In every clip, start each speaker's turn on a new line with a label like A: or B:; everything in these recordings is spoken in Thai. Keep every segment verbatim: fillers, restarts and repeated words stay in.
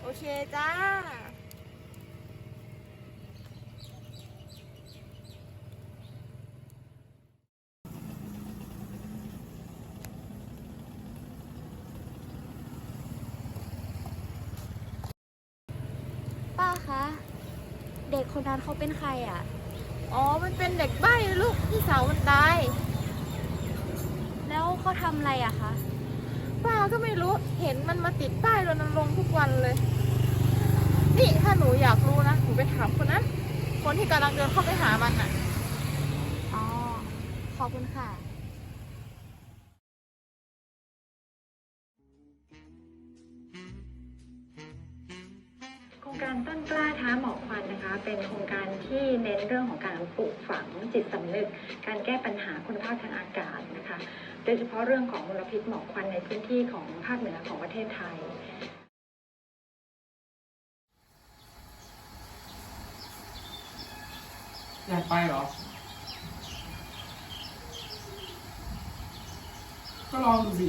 A: เคจ้า
B: ป้าคะ เด็กคนนั้นเขาเป็นใครอ่ะ
A: อ๋อมันเป็นเด็กใบ้ลูกพี่สาวมันตาย
B: แล้วเขาทำอะไรอะคะ
A: ป้าก็ไม่รู้เห็นมันมาติดป้ายรณรงค์ทุกวันเลย นี่ถ้าหนูอยากรู้นะหนูไปถามคนนั้นคนที่กำลังเดินเข้าไปหามันน่ะ
B: อ๋อ ขอบคุณค่ะ
C: โครงการต้นกล้าท้าหมอกควันนะคะเป็นโครงการที่เน้นเรื่องของการปลูกฝังจิตสำนึกการแก้ปัญหาคุณภาพทางอากาศนะคะโดยเฉพาะเรื่องของมลพิษหมอกควันในพื้นที่ของภาคเหนือของประเทศไทย
D: อยากไปเหรอ ก็ลองดูสิ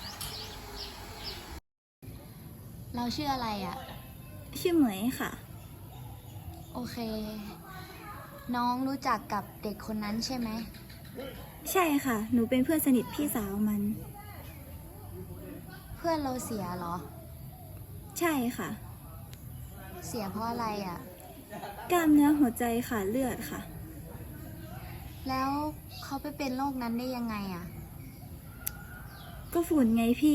B: เราชื่ออะไรอะ
E: ชื่อเหมยค่ะ
B: โอเค น้องรู้จักกับเด็กคนนั้นใช่ไหม
E: ใช่ค่ะ หนูเป็นเพื่อนสนิทพี่สาวมัน
B: เพื่อนเราเสียเหรอ
E: ใช่ค่ะ
B: เสียเพราะอะไรอะ
E: กล้ามเนื้อหัวใจขาดเลือดค่ะ
B: แล้วเขาไปเป็นโรคนั้นได้ยังไงอะ
E: ก็ฝุ่นไงพี่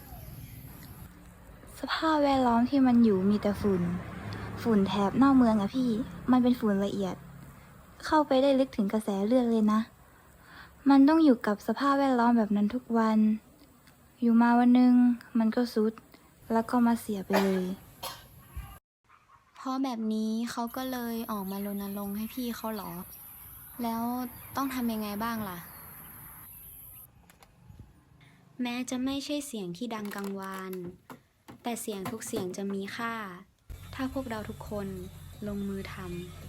E: สภาพแวดล้อมที่มันอยู่มีแต่ฝุ่น ฝุ่นแถบนอกเมืองอะพี่ มันเป็นฝุ่นละเอียด เข้าไปได้ลึกถึงกระแสเลือดเลยนะ มันต้องอยู่กับสภาพแวดล้อมแบบนั้นทุกวัน อยู่มาวันหนึ่งมันก็สุด แล้วก็มาเสียไปเลย
B: เพราะแบบนี้เขาก็เลยออกมารณรงค์ให้พี่เขาเหรอ แล้วต้องทำยังไงบ้างล่ะ แม้จะไม่ใช่เสียงที่ดังกังวาน แต่เสียงทุกเสียงจะมีค่า ถ้าพวกเราทุกคนลงมือทำ